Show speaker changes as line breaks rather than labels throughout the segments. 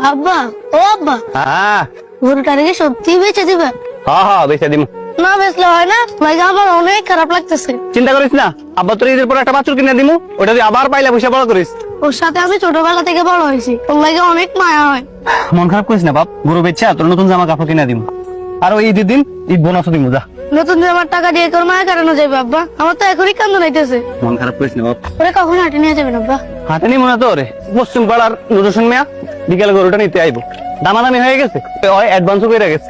আব্বা, ও আব্বা,
হ্যাঁ
গরুটারে কি সত্যি বেচে দিবে?
হ্যাঁ বেঁচে দিম।
না বেচলে হয় না ভাই, আমার অনেক খারাপ লাগতেছে।
চিন্তা করিস না, আব্বা তোর ঈদের পর একটা বাছুর কিনে দিমু, ওটা দিয়ে আবার পাইলে পয়সা বড় করিস।
ওর সাথে আমি ছোটবেলা থেকে বড় হয়েছি, ওর লাগে অনেক মায়া হয়।
মন খারাপ করিস না বাপ, গরু বেচা তোর নতুন জামা কাপড় কিনে দিমু। আর ওই ঈদের দিন ঈদ বোনাসও দিমু, যা।
নতুন জামার টাকা দিয়ে তোর মায়া কাটানো যাবে আব্বা? আমার তো এখনই কান্দ নাইতেছে।
মন খারাপ করিস না বাপ।
ওরে কখন হাঁটে নিয়ে যাবেন আব্বা?
হাতে নিমু না তো রে, পশ্চিম পাড়ার নুরুসন মিয়া বিকেলে গরুটা নিতে আইবো, দামাদামি হয়ে গেছে, ওই অ্যাডভান্সও করে গেছে।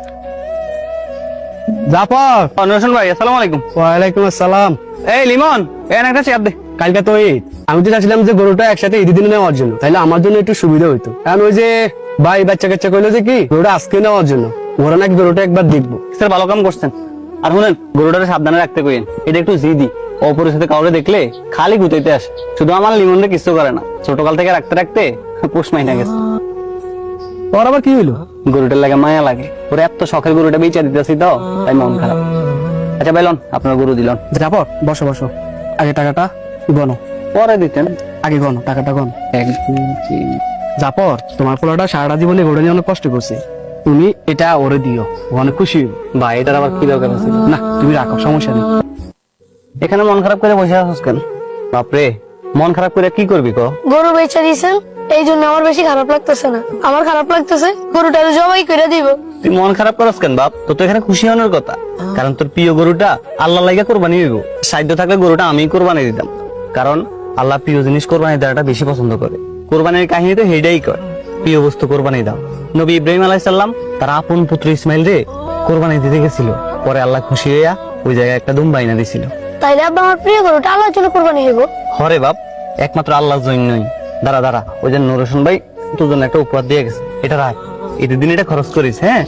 জাফর,
নুরুসন ভাই আসসালামু আলাইকুম।
ওয়ালাইকুম আসসালাম।
এই লিমন, একটা চেয়ার দে।
কালকে তো ঈদ, আমি তো চাচ্ছিলাম যে গরুটা একসাথে ঈদের দিনে নেওয়ার জন্য, তাহলে আমার জন্য একটু সুবিধা হইতো। কারণ ওই যে ভাই বাচ্চা কাচ্চা কইলো যে কি গরুটা আজকে নেওয়ার জন্য, ওরা নাকি গরুটা একবার দেখবো।
স্যার ভালো কাম করছেন। আর শুনেন, গরুটারে সাবধানে রাখতে কইেন, এটা একটু জিদি, অপরিচিত কাউরে দেখলে খালি গুতাইতে আসে। শুধু আমার লিমনরে কিছু করে না, ছোটকাল থেকে রাখতে রাখতে পোষ মাইনা গেছে।
তোর আবার কি হইলো?
গরুটার লাগে মায়া লাগে, ওরে এত শখের গরুটা বেচা দিতেছি তো, তাই মন খারাপ। আচ্ছা ভাইলন, আপনার গরু দিলন।
জাফর, বসো বসো, আগে টাকাটা গনো।
পরে দিতেন।
আগে গনো, টাকাটা গনো।
1 2 3।
জাফর, তোমার পোলাটা সারাটা জীবনে গরু নিয়ে অনেক কষ্ট করছে, তুমি এটা ওরে দিও, ও অনেক খুশি হইব।
ভাই এটার আবার কি দরকার আছে?
না তুমি রাখো, সমস্যা নেই।
এখানে মন খারাপ করে বসে আছিস কেন? বাপরে, মন খারাপ করে কি করবি কো?
গরু বেচে দিয়েছেন, এই জন্য আমার বেশি খারাপ লাগতেছে না। আমার খারাপ লাগতেছে গরুটারে জবাই করে দিব।
তুই মন খারাপ করস কেন বাপ? তোর তো এখানে খুশি হওয়ার কথা, কারণ তোর প্রিয় গরুটা আল্লাহ লাগা কোরবানি হইব। সাধ্য থাকলে গরুটা আমি কোরবানি দিতাম, কারণ আল্লাহ প্রিয় জিনিস কোরবানি দেওয়াটা বেশি পছন্দ করে। কোরবানির কাহিনী তো হেডাই কয়, প্রিয় বস্তু কোরবানি দাও। নবী ইব্রাহিম আলাইহিস সালাম তার আপন পুত্র ইসমাইল রে কোরবানি দিতে গেছিল, পরে আল্লাহ খুশি হইয়া ওই জায়গায় একটা দুম বাইনা দিছিল।
তাইলে আব্বা আমার প্রিয় গরুটা আল্লাহর জন্য কোরবানি হইব?
হরে বাপ, একমাত্র আল্লাহর জন্যই। দাঁড়া দাঁড়া, ওই যে নুরুসন ভাই তোর জন্য একটা উপহার দিয়ে গেছে, এটা রাখ, ঈদের দিন এটা খরচ করিস। হ্যাঁ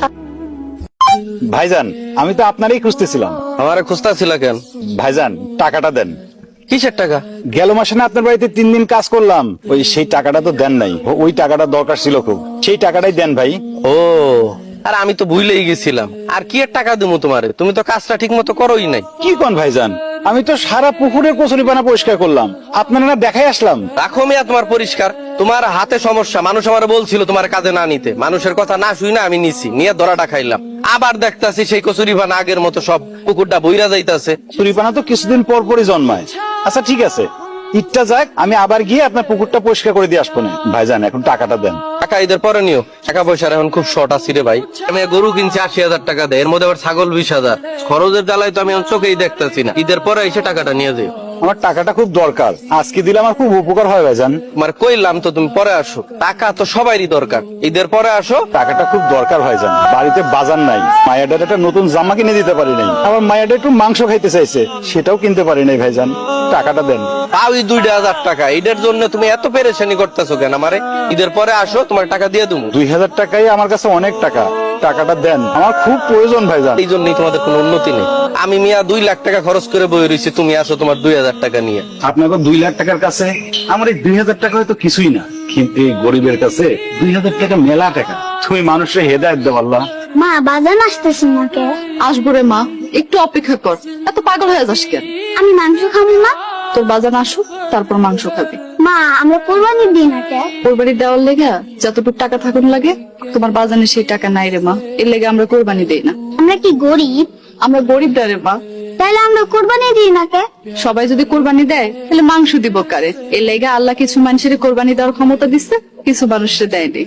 ভাইজান, আমি তো আপনারই খুঁজতেছিলাম।
আমারে খুঁজতা ছিল কেন?
ভাইজান, টাকাটা দেন।
কিসের টাকা?
গেল মাসে না আপনার বাড়িতে 3 দিন কাজ করলাম, ওই সেই টাকাটা তো দেন নাই। ওই টাকাটা দরকার ছিল খুব, সেই টাকাটাই দেন ভাই।
ও, আর আমি তো ভুলেই গেছিলাম। আর কি এর টাকা দেবো তোমারে? তুমি তো কাজটা ঠিক মতো করোই নাই।
কি কোন ভাইজান, আমি তো সারা পুকুরের কচুরিপানা পরিষ্কার করলাম, আপনারা না দেখাই আসলাম।
রাখো মিয়া তোমার পরিষ্কার, তোমার হাতে সমস্যা। মানুষ আমার বলছিল তোমার কাজে না নিতে, মানুষের কথা না শুই না আমি নিছি, নিয়ে ধরাটা খাইলাম। আবার দেখতাছি সেই কচুরিপানা আগের মতো সব পুকুরটা বইরা যাইতাছে।
কচুরিপানা তো কিছুদিন পর পরই জন্মায়। আচ্ছা ঠিক আছে, ঈদটা যাক, আমি আবার গিয়ে আপনার পুকুরটা পরিষ্কার করে দিয়ে আসবো না। ভাইজান এখন টাকাটা দেন।
টাকা ঈদের পরে নিও, টাকা পয়সার এখন খুব শর্ট আছে রে ভাই। আমি গরু কিনছি 80,000 টাকা দেয়, এর মধ্যে আবার ছাগল 20,000। খরচের জ্বালায় তো আমি এখন চোখেই দেখতেছি না। ঈদের পরে এসে টাকাটা নিয়ে যাও।
আমার টাকাটা খুব দরকার, আজকে দিলে আমার খুব উপকার হয় ভাইজান।
তোমার কইলাম তো তুমি পরে আসো, টাকা তো সবারই দরকার, ঈদের পরে আসো।
টাকাটা খুব দরকার ভাইজান, বাড়িতে বাজার নাই, মায়াডার একটা নতুন জামা কিনে দিতে পারি নাই, আবার মায়াডা একটু মাংস খাইতে চাইছে, সেটাও কিনতে পারি নাই ভাইজান, টাকাটা দেন।
তাও 2,000 টাকা, ঈদের জন্য তুমি এত পেরেশানি করতেছো কেন আমারে? ঈদের পরে আসো, তোমার টাকা দিয়ে দেবো।
2,000 টাকাই আমার কাছে অনেক টাকা, টাকাটা দেন, আমার খুব প্রয়োজন ভাইজান।
এই জন্যই তোমাদের কোনো উন্নতি নেই। আমি মিয়া 2 লাখ টাকা খরচ করে বই রয়েছি, তুমি আসো তোমার 2,000 টাকা নিয়ে।
আপনাকে 2 লাখ টাকার কাছে আমার এই 2,000 টাকা হয়তো কিছুই না, কিন্তু এই গরিবের কাছে 2,000 টাকা মেলা টাকা। তুমি মানুষের হেদায়েত দাও আল্লাহ।
মা, বাজার আসতেছেন না কে?
আসবো রে মা, একটু অপেক্ষা কর। এত পাগল হয়ে যাস কেন?
আমি মাংস খাবো না।
তোর বাজার আসুক, তারপর মাংস খাবি।
মা, আমরা কোরবানি দিই না কে?
কোরবানি দেওয়ার লেগে যতটুকু টাকা থাকুন লাগে, তোমার বাজারে সেই টাকা নাই রে মা, এর লেগে আমরা কোরবানি দেই না।
আমরা কি গরিব?
আমরা গরিব না রে মা।
তাইলে আমরা কোরবানি দিই না কে?
সবাই যদি কোরবানি দেয় তাহলে মাংস দিব কারে? এর লেগে আল্লাহ কিছু মানুষের কোরবানি দেওয়ার ক্ষমতা দিচ্ছে, কিছু মানুষের দেয়নি।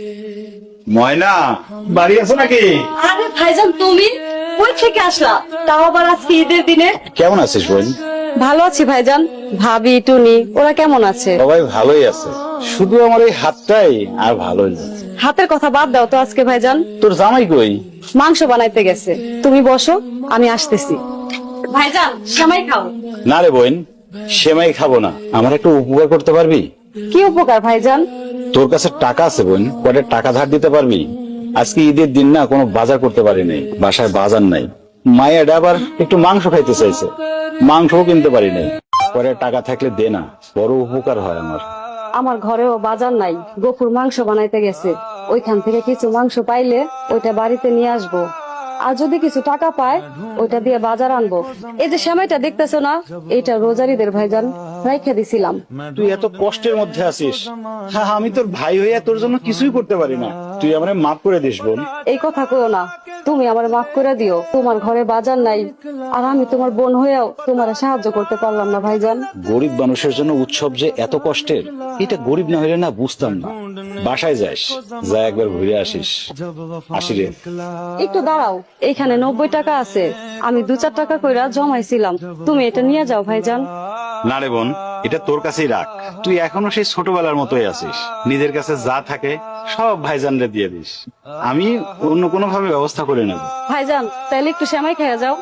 ময়না, বাড়ি আছো নাকি?
আরে ভাইজান, তুমি কই থেকে আসলা? তাও আবার আজকে ঈদের দিনে?
কেমন আছিস বোন?
ভালো আছি ভাইজান। ভাবি, টুনি ওরা কেমন আছে?
সবাই ভালোই আছে, শুধু আমার এই হাতটাই আর ভালোই না।
হাতের কথা বাদ দাও তো আজকে ভাইজান।
তোর জামাই কই?
মাংস বানাইতে গেছে, তুমি বসো, আমি আসতেছি। ভাইজান, সেমাই খাও।
না রে বোন, সেমাই খাবো না, আমার একটু উপকার করতে পারবি?
কি উপকার ভাইজান?
তোর কাছে টাকা আছে বোন, কয়টা টাকা ধার দিতে পারবি? আজকে ঈদের দিন না, কোনো বাজার করতে পারি নাই, বাসায় বাজার নাই। মায়ের আবার একটু মাংস খাইতে চাইছে, মাংসও কিনতে পারি নাই, পরে টাকা থাকলে দে না, বড় উপকার হয় আমার।
আমার ঘরেও বাজার নাই, গফুর মাংস বানাইতে গেছে, ওইখান থেকে কিছু মাংস পাইলে ওইটা বাড়িতে নিয়ে আসবো। আর যদি কিছু টাকা পায় ওইটা দিয়ে বাজার আনবো। এই যে সেমাইটা দেখতেছো না, এটা রোজারিদের ভাইজান রাইখা দিছিলাম।
তুই এত কষ্টের মধ্যে আছিস, হ্যাঁ আমি তোর ভাই হইয়া তোর জন্য কিছুই করতে পারি না, তুই আমারে মাফ করে দিস বোন।
এই কথা কইও না, তুমি আমার মাফ করে দিও। তোমার ঘরে বাজার নাই, আর আমি তোমার বোন হয়েও তোমার সাহায্য করতে পারলাম না ভাইজান।
গরিব মানুষের জন্য উৎসব যে এত কষ্টের, এটা গরিব না হইলে না বুঝতাম না। বাসায় যাস, যা একবার ঘুরে আসিস। আসি রে।
একটু দাঁড়াও, এখানে 90 টাকা আছে, আমি 2-4 টাকা কইরা জমাইছিলাম, তুমি এটা নিয়ে যাও ভাইজান।
না রে বোন, এটা তোর কাছেই রাখ। তুই এখনো সেই ছোটবেলার মতোই আছিস, নিজের কাছে যা থাকে সব ভাইজানরে দিয়ে দিস, আমি অন্য কোনো ভাবে ব্যবস্থা করে নেব।
ভাইজান তাইলে একটু সেমাই খেয়ে যাও।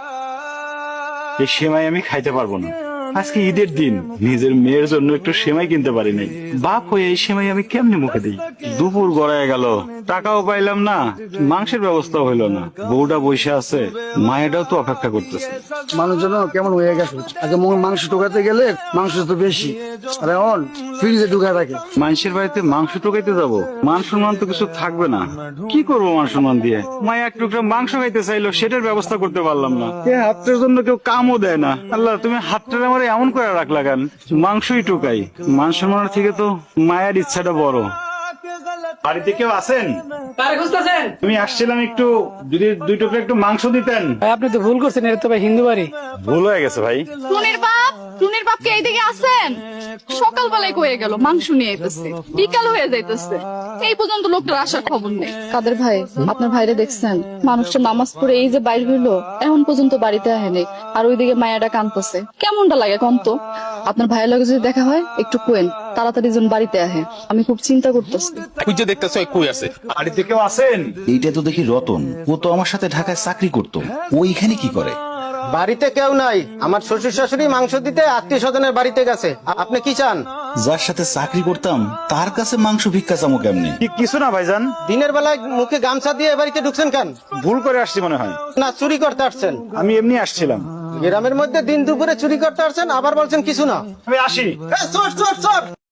এই সেমাই আমি খাইতে পারবো না, আজকে ঈদের দিন, নিজের মেয়ের জন্য একটু সেমাই কিনতে পারি নাই। বাপ হয়ে এই সেমাই আমি কেমনে মুখে দিই? দুপুর গড়ায় গেল, টাকাও পাইলাম না, মাংসের ব্যবস্থা হইলো না। বউটা বসে আছে, মায়েরাও তো অপেক্ষা করতেছে।
মানুষজন কেমন হয়ে গেছে, আগে মাংস ঢোকাতে গেলে মাংস তো বেশি, আর এখন ফ্রিজে ঢুকা থাকে।
মানুষের বাড়িতে মাংস টোকাইতে যাব, মান সম্মান তো কিছু থাকবে না। কি করবো মান সম্মান দিয়ে? মায়া এক টুকরা মাংস খাইতে চাইলো, সেটার ব্যবস্থা করতে পারলাম না। হাতের জন্য কেউ কামও দেয় না। আল্লাহ, তুমি হাতটা আমার এমন করে রাখলা কেন? মাংসই টোকাই, মান সম্মানের থেকে তো মায়ের ইচ্ছাটা বড়। বাড়িতে কেউ আছেন? তুমি আসছিলাম একটু, যদি 2 টুকরা একটু মাংস দিতেন।
আপনি তো ভুল করছেন, এটা তো ভাই হিন্দু বাড়ি।
ভুল হয়ে গেছে ভাই।
টুনির বাপ কি এইদিকে আছেন? সকালবেলায় কয়ে গেল মাংস নিয়ে আইতেছে, বিকাল হয়ে যাইতেছে, এই পর্যন্ত লোকটার আসার খবর নেই। কাদের ভাই, আপনার ভাইরে দেখছেন? মানুষটা নামাজ পড়ে এই যে বাইর হইলো, এখন পর্যন্ত বাড়িতে আহেনি, আর ওইদিকে মায়াটা কাঁদতেছে। কেমনটা লাগে কম তো? আপনার ভাইয়ের লগে যদি দেখা হয় একটু কোয়েন তাড়াতাড়ি যেন বাড়িতে আহে, আমি খুব চিন্তা করতেছি।
খুঁজে দেখতেছ কই আছে?
বাড়িতে কেউ আছেন?
এইটা তো দেখি রতন, ও তো আমার সাথে ঢাকায় চাকরি করতো, ও এখানে কি করে?
বাড়িতে কেউ নাই, আমার শ্বশুর শাশুড়ি মাংস দিতে আত্মীয় স্বজনের বাড়িতে গেছে। আপনি কি চান?
যার সাথে চাকরি করতাম তার কাছে মাংস ভিক্ষা চামো কেমনে?
কিছু না ভাইজান।
দিনের বেলায় মুখে গামছা দিয়ে বাড়িতে ঢুকছেন কেন?
ভুল করে আসছি মনে হয়।
না চুরি করতে আসছেন?
আমি এমনি আসছিলাম।
গ্রামের মধ্যে দিন দুপুরে চুরি করতে আসছেন, আবার বলছেন কিছু না।
আমি আসি।
চোর চোর চোর!